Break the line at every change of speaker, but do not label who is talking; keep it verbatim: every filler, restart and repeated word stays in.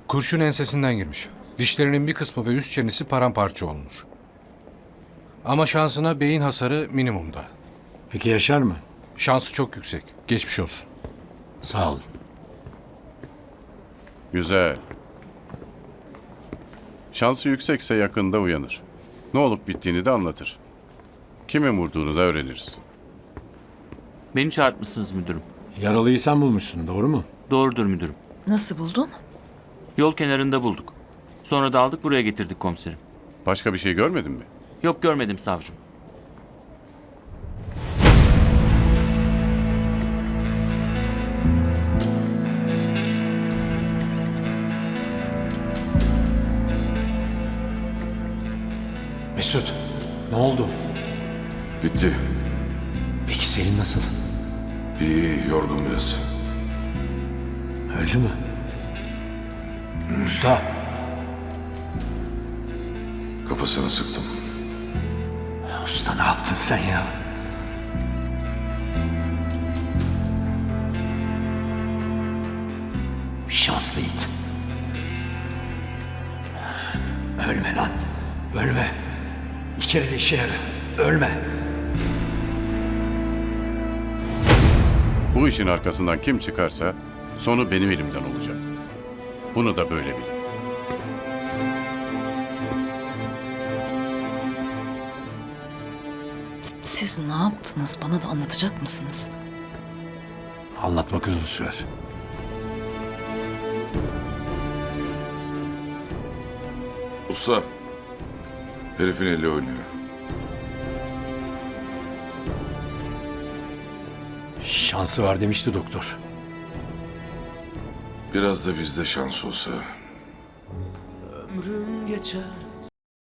Kurşun ensesinden girmiş. Dişlerinin bir kısmı ve üst çenesi paramparça olmuş. Ama şansına beyin hasarı minimumda.
Peki yaşar mı?
Şansı çok yüksek. Geçmiş olsun.
Sağ olun.
Güzel. Şansı yüksekse yakında uyanır. Ne olup bittiğini de anlatır. Kimin vurduğunu da öğreniriz.
Beni çağırtmışsınız müdürüm.
Yaralıyı sen bulmuşsun, doğru mu?
Doğrudur müdürüm.
Nasıl buldun?
Yol kenarında bulduk. Sonra da aldık buraya getirdik komiserim.
Başka bir şey görmedin mi?
Yok görmedim savcım.
Mesut, ne oldu?
Bitti.
Peki Selim nasıl?
İyi, iyi, yorgun biraz.
Öldü mü? Usta,
Kafasını sıktım.
usta ne yaptın sen ya? Şanslı it. Ölme lan, ölme. Bir kere de işe yara, ölme.
Bu işin arkasından kim çıkarsa sonu benim elimden olacak. Bunu da böyle bilin.
Siz ne yaptınız? Bana da anlatacak mısınız?
Anlatmak uzun sürer.
Usta, herifin eli oynuyor.
Şansı var demişti doktor.
Biraz da bizde şans olsa.
Ömrüm geçer